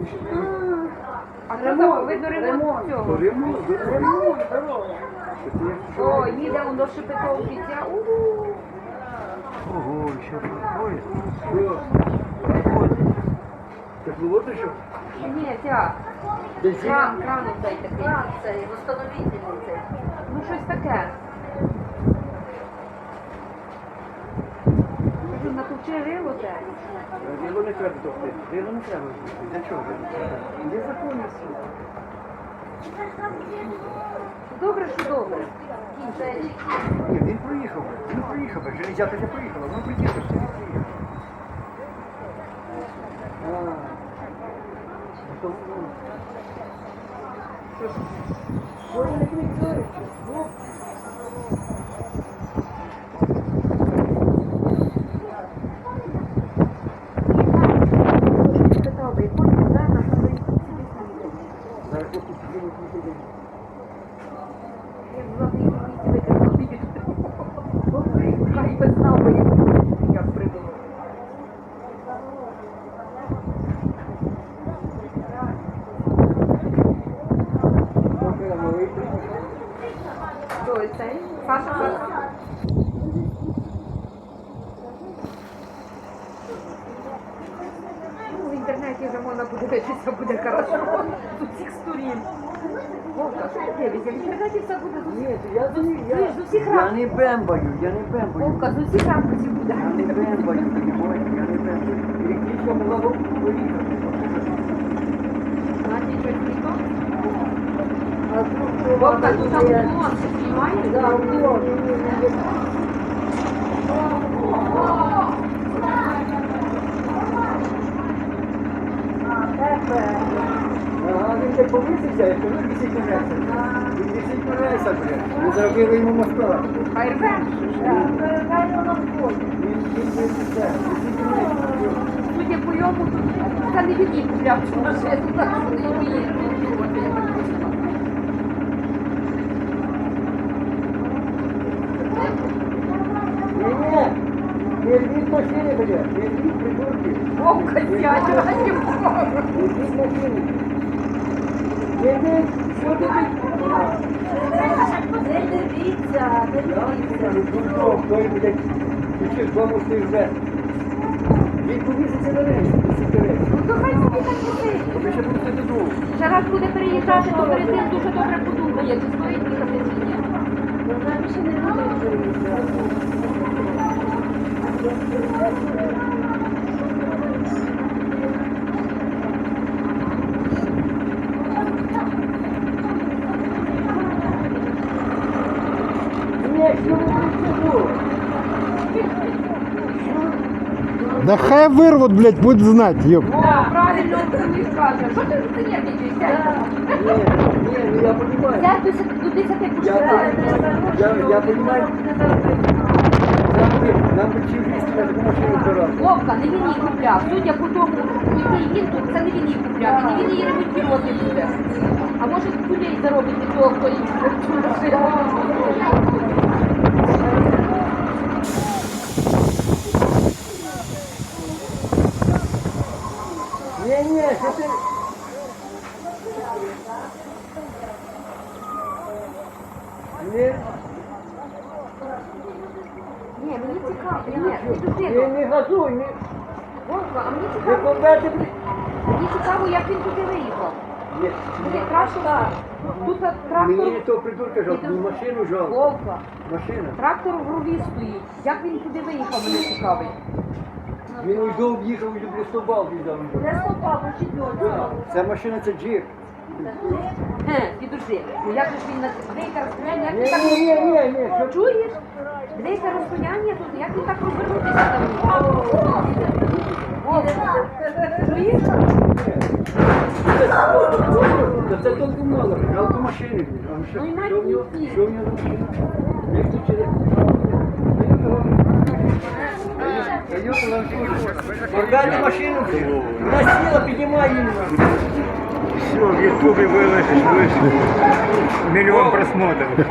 А це там, видно, ремонт цього. Ремонт, здорово. О, їде он до Шепетовки. Ого, ще проходить. Так ну вот еще? Ні, ця. Бензин? Кран цей такий. Кран цей, восстановительний цей. Ну, щось таке. Кажу, натовчи рило те. Рило не треба товкти. Рило не треба. Для чого? Є закони всі. Добре, що добре. Ні, він проїхав. Він проїхав. Железяка не проїхала. Воно приїхав. Він приїхав. Що вони кричать? Хай би знав, як придумав. Хто цей? Саша? Ну, в інтернеті вже можна подивитися, буде хорошо. З усіх сторін. Вовка, що ти дивишся? В інтернеті все буде з усіх. Ні, я З усіх я ракурсів. не бембаю, я не бембаю. Вовка, з усіх ракурсів буде. Я не бембаю, понимаете, я не бембаю. Електричка могла б поїхати. Значить, щось не то? А тут Вовка, тут там уклон, ти знімаєш? да, уклон. Ага, він так повисився, як він висить на рейсах. Він висить на рейсах, блядь. Ми зробили йому моста. Хай рве. Він висить на рейсах. Судя по йому, це не від їх купляв цю машину, так що не вміє. Ні-ні, не рвіть машини, блядь, не рвіть придурки. Вовка, сядь, раді Бога. Не рвіть машини. Не рвіть, що ти Не дивіться, не дивіться. Дурдом, той, блядь, ще з дому стоїть вже. Він повіситься на рейс, висить на рейс. Ну то хай собі так сидить. Ви ще будете додому. Ще раз буде переїжджати, то перед тим дуже добре подумає, чи стоїть їхати чи ні. Вона більше не буде переїжджати. Ні, що ви прийшли? Да хай вырвут, блядь, будет знать, ёб. О, правильно мені скаже. Що ти занервничаєш? Ні, ну я понимаю. Сядь до 10 Я понимаю. Нам би чим вісти на таку машину збирати. Вовка, не він її купляв. Судя по тому, який він тут, це не він її купляв. І не він її ремонтувати буде. А може кулей заробить від того, хто її купив. Ні, що ти... Ні, Ні, мені цікаво. Ні, підожди. не газуй, не... Вовка, а мені Ви цікаво. побете... Мені цікаво, як він туди виїхав. Ні, Буде краще, тут трактор. мені не того придурка жалко, мені машину жалко. Вовка, Машина. трактор в рові стоїть. Як він туди виїхав, мене цікавить. Він уйду об'їхав і люблю стобал віддав. Не стопав, учитель. Ця машина це джип. Підожди, ну як же ж він на деяке розстояння, як він так... Ні, що Чуєш? Деяке розстояння тут, як він так розвернутися там? Вовка, чуєш? Та це тільки мало, жалко машини. Ну, і навіть Що в нього? ні. Що в нього за машина? Як тут через... Мордати машину, вона сіла, піднімай її. Все, в Ютубе выложишь, вышло. Миллион просмотров. Де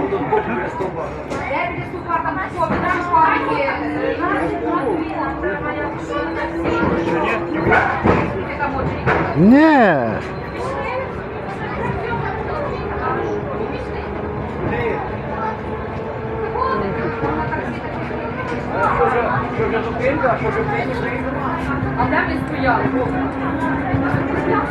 Супа там що, він там шпарки? там очередь. Не. Що вже зупинка, що вже приїхали? А де ми стояли?